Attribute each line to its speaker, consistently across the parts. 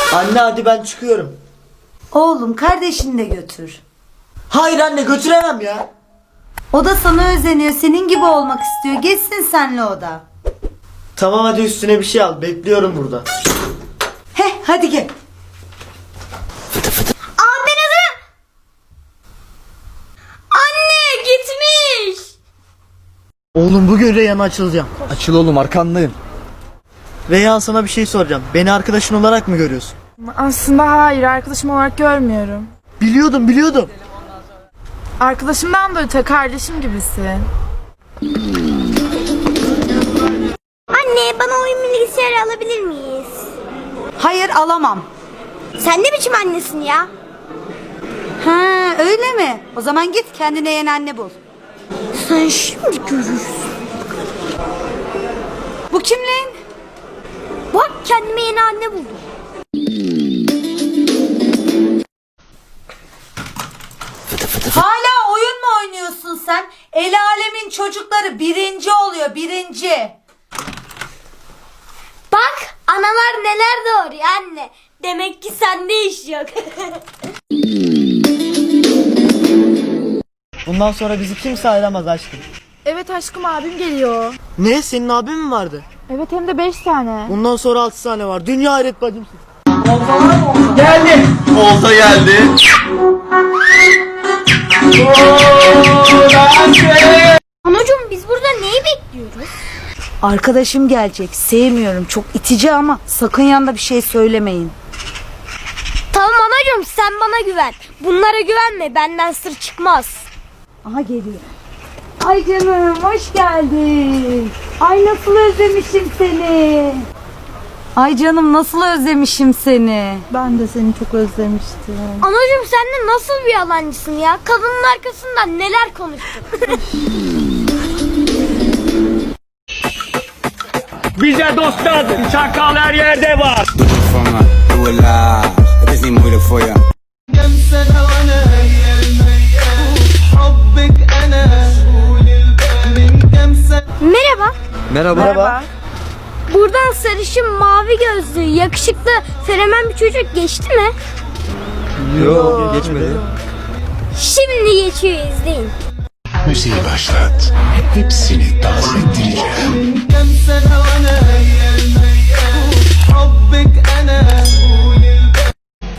Speaker 1: Anne hadi ben çıkıyorum.
Speaker 2: Oğlum kardeşini de götür.
Speaker 1: Hayır anne götüremem ya.
Speaker 2: O da sana özeniyor. Senin gibi olmak istiyor. Geçsin senle o da.
Speaker 1: Tamam hadi üstüne bir şey al. Bekliyorum burada.
Speaker 2: Heh hadi gel.
Speaker 3: Aa ben hazırım. Anne gitmiş.
Speaker 1: Oğlum bugün Reyhan'a açılacağım.
Speaker 4: Açıl oğlum, arkandayım.
Speaker 1: Reyhan sana bir şey soracağım. Beni arkadaşın olarak mı görüyorsun?
Speaker 5: Aslında hayır, arkadaşım olarak görmüyorum.
Speaker 1: Biliyordum.
Speaker 5: Arkadaşımdan da öte kardeşim gibisin.
Speaker 3: Anne bana oyun bilgisayarı alabilir miyiz?
Speaker 2: Hayır alamam.
Speaker 3: Sen ne biçim annesin ya?
Speaker 2: Ha öyle mi? O zaman git kendine yeni anne bul.
Speaker 3: Sen şimdi görürsün.
Speaker 2: Bu kimliğin?
Speaker 3: Bak kendime yeni anne buldum.
Speaker 2: Hala oyun mu oynuyorsun sen? El alemin çocukları birinci oluyor, birinci.
Speaker 3: Bak analar neler doğuruyor anne. Demek ki sende iş yok.
Speaker 1: Bundan sonra bizi kimse ayıramaz aşkım.
Speaker 5: Evet aşkım, abim geliyor.
Speaker 1: Ne? Senin abin mi vardı?
Speaker 5: Evet, hem de 5 tane.
Speaker 1: Bundan sonra 6 tane var. Dünya hayret bacımsın.
Speaker 4: Olta geldi.
Speaker 3: Anacığım biz burada neyi bekliyoruz?
Speaker 2: Arkadaşım gelecek. Sevmiyorum. Çok itici ama sakın yanında bir şey söylemeyin.
Speaker 3: Tamam anacığım sen bana güven. Bunlara güvenme, benden sır çıkmaz.
Speaker 2: Aha geliyor. Ay canım hoş geldin. Ay nasıl özlemişim seni. Ay canım nasıl özlemişim seni.
Speaker 5: Ben de seni çok özlemiştim.
Speaker 3: Anacığım sen de nasıl bir yalancısın ya? Kadının arkasından neler konuştun?
Speaker 6: Bize dost lazım. Çakal her yerde var.
Speaker 7: فما ولا لازم نقول فويا
Speaker 8: كم سنة وانا هي الميال حبك انا طول البال من كم سنة.
Speaker 3: Merhaba.
Speaker 4: Merhaba.
Speaker 3: Buradan sarışın, mavi gözlü, yakışıklı, fenomen bir çocuk geçti mi?
Speaker 4: Yok, geçmedi.
Speaker 3: Şimdi geçiyor, izleyin.
Speaker 9: Müziği başlat. Hepsini dans ettireceğim.
Speaker 8: كم سنة وانا هي الميال حبك انا طول البال.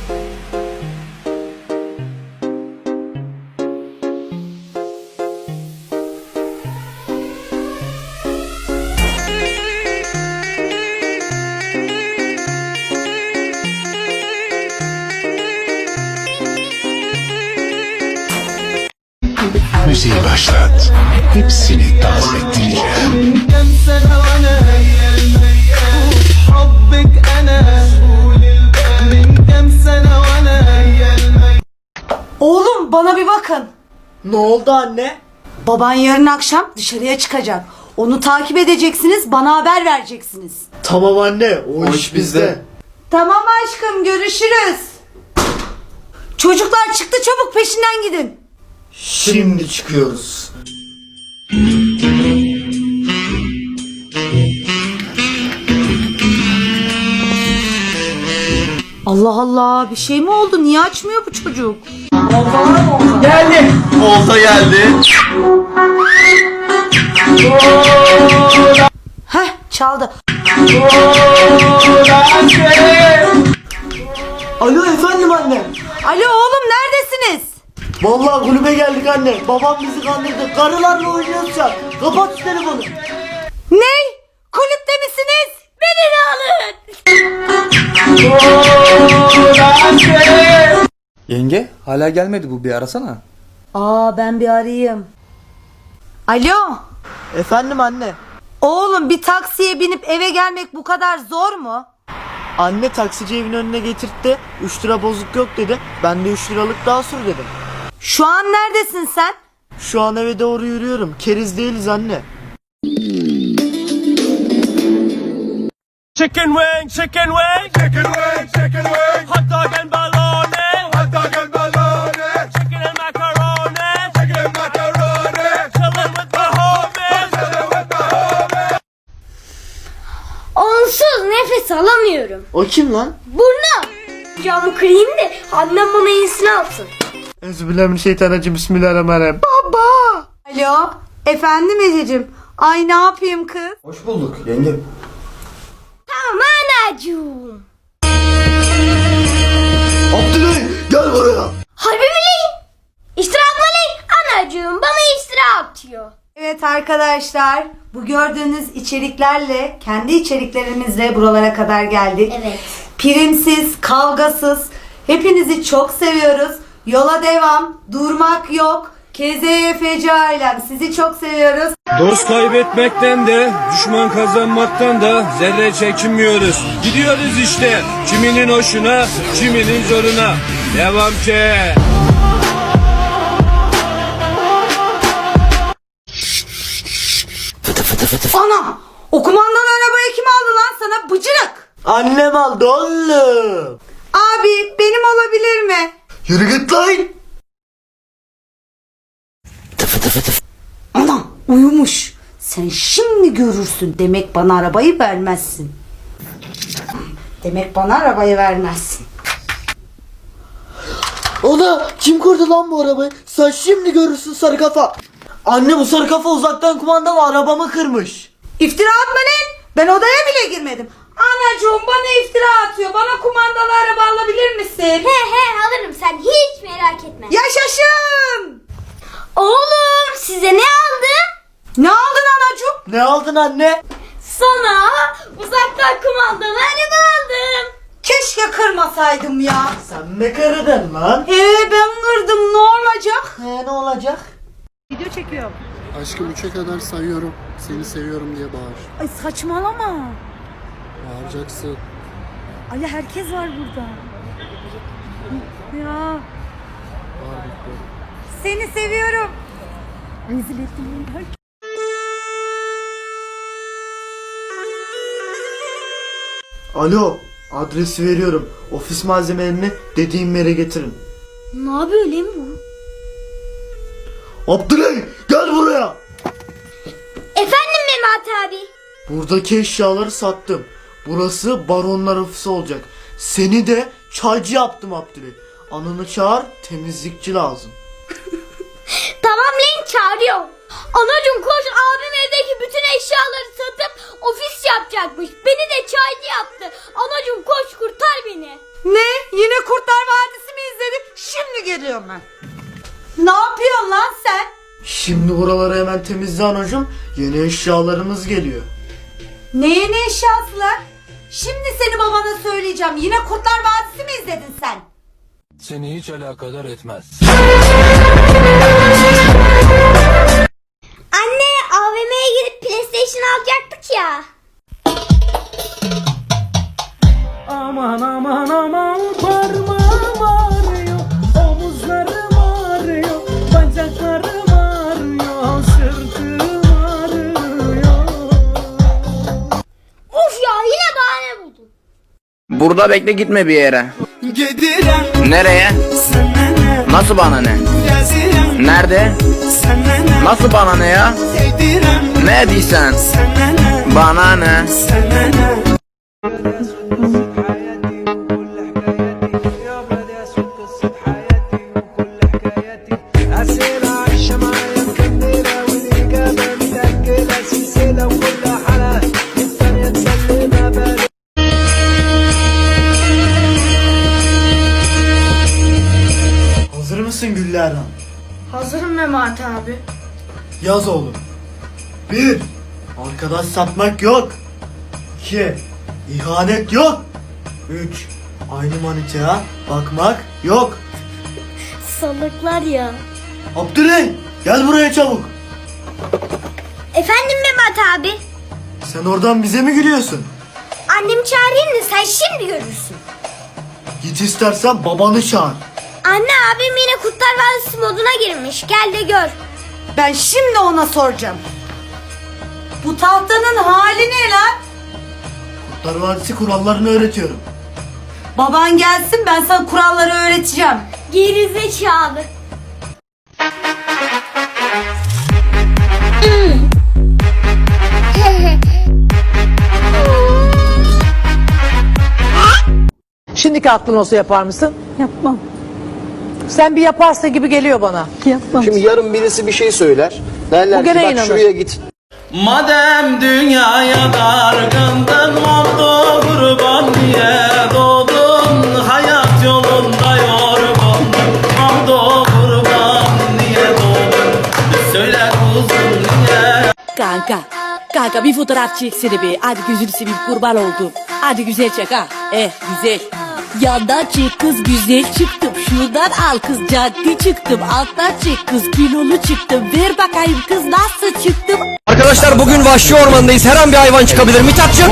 Speaker 9: Müziği başlat. Hepsini dans ettireceğim.
Speaker 8: كم سنة وانا هي الميال حبك انا طول البال من كم سنة وانا هي الميال.
Speaker 2: Oğlum bana bir bakın.
Speaker 1: Ne oldu anne?
Speaker 2: Baban yarın akşam dışarıya çıkacak. Onu takip edeceksiniz, bana haber vereceksiniz.
Speaker 1: Tamam anne. O iş bizde.
Speaker 2: Tamam aşkım, görüşürüz. Çocuklar çıktı, çabuk peşinden gidin.
Speaker 1: Şimdi çıkıyoruz.
Speaker 2: Allah Allah, bir şey mi oldu? Niye açmıyor bu çocuk?
Speaker 4: Olta geldi.
Speaker 2: Heh, çaldı.
Speaker 1: Alo efendim anne.
Speaker 2: Alo oğlum, neredesiniz?
Speaker 1: Vallahi kulübe geldik anne. Babam bizi kandırdı. Karılarla oynuyoruz ya. Kapat şu telefonu.
Speaker 2: Ne? Kulüpte misiniz?
Speaker 3: Beni de alın.
Speaker 4: Yenge, hala gelmedi bu, bir arasana.
Speaker 2: Aa, ben bir arayayım. Alo.
Speaker 1: Efendim anne.
Speaker 2: Oğlum, bir taksiye binip eve gelmek bu kadar zor mu?
Speaker 1: Anne taksici evin önüne getirtti. 3 lira bozuk yok dedi. Ben de 3 liralık daha sür dedim.
Speaker 2: Şu an neredesin sen?
Speaker 1: Şu an eve doğru yürüyorum. Keriz değiliz anne.
Speaker 6: Chicken wing, chicken wing. Chicken wing, chicken wing. Hot dog and bologna. Hot dog and bologna. Chicken and macaroni. Chicken and macaroni. Chillin' with the homies. Chillin' with the homies.
Speaker 3: Onsuz nefes alamıyorum.
Speaker 1: O kim lan?
Speaker 3: Burnum. Camı kırayım da annem bana iyisini alsın.
Speaker 1: Euzubillahimineşşeytanirracim. Bismillahirrahmanirrahim.
Speaker 2: Alo. Efendim Ececiğim. Ay ne yapayım kız?
Speaker 4: Hoş bulduk yenge.
Speaker 3: Tamam anacığım.
Speaker 1: Abdülay gel buraya.
Speaker 3: Harbi mi lan? İftira atma lan. Anacığım bana iftira atıyor.
Speaker 2: Evet arkadaşlar, bu gördüğünüz içeriklerle, kendi içeriklerimizle buralara kadar geldik.
Speaker 3: Evet.
Speaker 2: Primsiz, kavgasız, hepinizi çok seviyoruz. Yola devam, durmak yok. KZYFC ailem, sizi çok seviyoruz.
Speaker 6: Dost kaybetmekten de, düşman kazanmaktan da zerre çekinmiyoruz. Gidiyoruz işte, kiminin hoşuna, kiminin zoruna. Devam ki.
Speaker 2: Ana! O kumandalı arabayı kim aldı lan sana bıcırık?
Speaker 1: Annem aldı oğlum.
Speaker 2: Abi benim olabilir mi?
Speaker 1: Yürü git lan.
Speaker 2: Ana uyumuş. Sen şimdi görürsün. Demek bana arabayı vermezsin. Demek bana arabayı vermezsin.
Speaker 1: Ana kim kurdu lan bu arabayı? Sen şimdi görürsün sarı kafa. Anne bu sarı kafa uzaktan kumandalı arabamı kırmış.
Speaker 2: İftira atma lan. Ben odaya bile girmedim. Anacığım bana iftira atıyor. Bana kumandalı araba alabilir misin?
Speaker 3: He alırım sen hiç merak etme.
Speaker 2: Yaşasın.
Speaker 3: Oğlum size ne aldım?
Speaker 2: Ne aldın anacığım?
Speaker 1: Ne aldın anne?
Speaker 3: Sana uzaktan kumandalı araba aldım.
Speaker 2: Keşke kırmasaydım ya.
Speaker 1: Sen mi kırdın lan?
Speaker 2: Ben kırdım, ne olacak?
Speaker 1: Ne olacak?
Speaker 10: Aşkım 3'e kadar sayıyorum. Seni seviyorum diye bağır.
Speaker 2: Ay saçmalama.
Speaker 10: Bağıracaksın.
Speaker 2: Ay herkes var burada. Ya
Speaker 10: Bağır bekliyorum.
Speaker 2: seni seviyorum. Rezil ettim beni.
Speaker 1: Alo adresi veriyorum. Ofis malzemelerini dediğim yere getirin.
Speaker 3: Ne yapıyor lan bu?
Speaker 1: Abdülay gel buraya.
Speaker 3: Efendim Mehmet abi.
Speaker 1: Buradaki eşyaları sattım. Burası baronlar ofisi olacak. Seni de çaycı yaptım Abdülay. Ananı çağır, temizlikçi lazım.
Speaker 3: Tamam lan çağırıyorum. Anacığım koş, abim evdeki bütün eşyaları satıp ofis yapacakmış. Beni de çaycı yaptı. Anacığım koş kurtar beni.
Speaker 2: Ne? Yine Kurtlar Vadisi mi izledin? Şimdi geliyorum ben. Ne yapıyorsun lan sen?
Speaker 1: Şimdi buraları hemen temizle anacığım. Yeni eşyalarımız geliyor.
Speaker 2: Neye ne eşyası lan? Şimdi seni babana söyleyeceğim. Yine Kurtlar Vadisi mi izledin sen?
Speaker 6: Seni hiç alakadar etmez.
Speaker 3: Anne AVM'ye gidip PlayStation alacaktık ya.
Speaker 6: Aman aman aman parmağım ağrıyor, omuzlarım ağrıyor, bacaklarım ağrıyor, sırtım ağrıyor.
Speaker 3: Of ya yine bahane buldum.
Speaker 11: Burada bekle gitme bir yere.
Speaker 8: Gidirem
Speaker 11: Nereye?
Speaker 8: sana ne?
Speaker 11: Nasıl bana ne?
Speaker 8: Gezirem
Speaker 11: Nerede?
Speaker 8: sana ne?
Speaker 11: Nasıl bana ne ya?
Speaker 8: Yedirem
Speaker 11: Ne diysen?
Speaker 8: sana ne?
Speaker 11: Bana ne?
Speaker 8: Sana ne?
Speaker 1: Hazır mısın Güllerhan?
Speaker 5: Hazırım Mehmet abi.
Speaker 1: Yaz oğlum. 1. Arkadaş satmak yok. 2. İhanet yok. 3. Aynı manitaya bakmak yok.
Speaker 3: Salaklar ya.
Speaker 1: Abdülay gel buraya çabuk.
Speaker 3: Efendim Mehmet abi.
Speaker 1: Sen oradan bize mi gülüyorsun?
Speaker 3: Annemi çağırayım da sen şimdi görürsün.
Speaker 1: Git istersen babanı çağır.
Speaker 3: Anne abim yine Kurtlar Vadisi moduna girmiş. Gel de gör.
Speaker 2: Ben şimdi ona soracağım. Bu tahtanın hali ne lan?
Speaker 1: Kurtlar Vadisi kurallarını öğretiyorum.
Speaker 2: Baban gelsin, ben sana kuralları öğreteceğim.
Speaker 3: Gerizekalı.
Speaker 12: Şimdiki aklın olsa yapar mısın?
Speaker 13: Yapmam.
Speaker 12: Sen bir yaparsın gibi geliyor bana.
Speaker 13: Yapmam.
Speaker 14: Şimdi yarın birisi bir şey söyler. Derler
Speaker 12: Bu
Speaker 14: ki
Speaker 12: gene
Speaker 14: bak
Speaker 12: inanır.
Speaker 14: şuraya git.
Speaker 8: Madem dünyaya dargındın, oldu kurban diye doğdun. Hayat yolunda yorgundun, oldu kurban diye doğdun. Söyle kuzum niye?
Speaker 13: Kanka bir fotoğraf çeksene be. Hadi gözünü seveyim, kurban oldum. Hadi güzel çek ha. Güzel. Yandan çek kız, güzel çıktım. Şuradan al kız, caddi çıktım. Alttan çek kız, kilolu çıktım. Ver bakayım kız, nasıl çıktım?
Speaker 11: Arkadaşlar bugün vahşi ormandayız. Her an bir hayvan çıkabilir. Mithatçığım.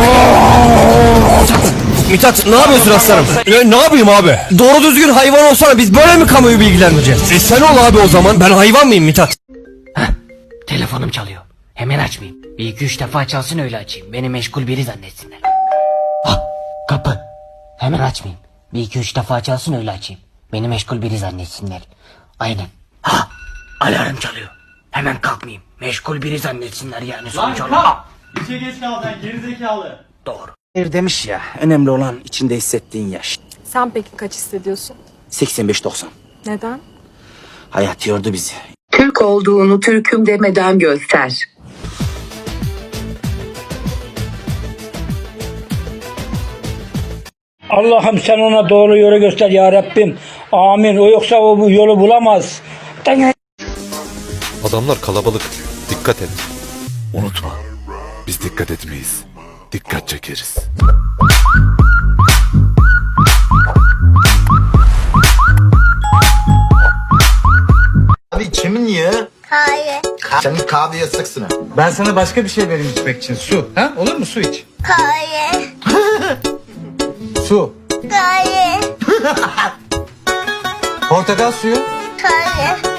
Speaker 11: Mithat ne yapıyorsun aslanım? Ne yapayım abi? Doğru düzgün hayvan olsana, biz böyle mi kamuoyu bilgilendireceğiz? Sen ol abi o zaman. Ben hayvan mıyım Mithat?
Speaker 15: Telefonum çalıyor. Hemen açmayayım. Bir iki üç defa çalsın öyle açayım. Beni meşgul biri zannetsinler. Kapı. Hemen açmayayım. Bir iki üç defa çalsın öyle açayım. Beni meşgul biri zannetsinler. Aynen. Alarm çalıyor. Hemen kalkmayayım. Meşgul biri zannetsinler yani sonuç olarak.
Speaker 6: İşe geç kaldın gerizekalı.
Speaker 15: Doğru. Demiş ya, önemli olan içinde hissettiğin yaş.
Speaker 5: Sen peki kaç hissediyorsun?
Speaker 15: 85-90.
Speaker 5: Neden?
Speaker 15: Hayat yordu bizi.
Speaker 13: Türk olduğunu Türk'üm demeden göster.
Speaker 6: Allah'ım sen ona doğru yolu göster ya Rabbim. Amin. O yoksa o bu yolu bulamaz.
Speaker 9: Adamlar kalabalık. Dikkat et. Unutma. Biz dikkat etmeyiz. Dikkat çekeriz.
Speaker 14: Abi içemin ya.
Speaker 3: Hayır.
Speaker 14: Senin kahve yasaksın ha.
Speaker 4: Ben sana başka bir şey vereyim içmek için. Su. Ha? Olur mu? Su iç.
Speaker 3: Hayır.
Speaker 4: Su.
Speaker 3: Hayır.
Speaker 4: Portakal suyu.
Speaker 3: Hayır.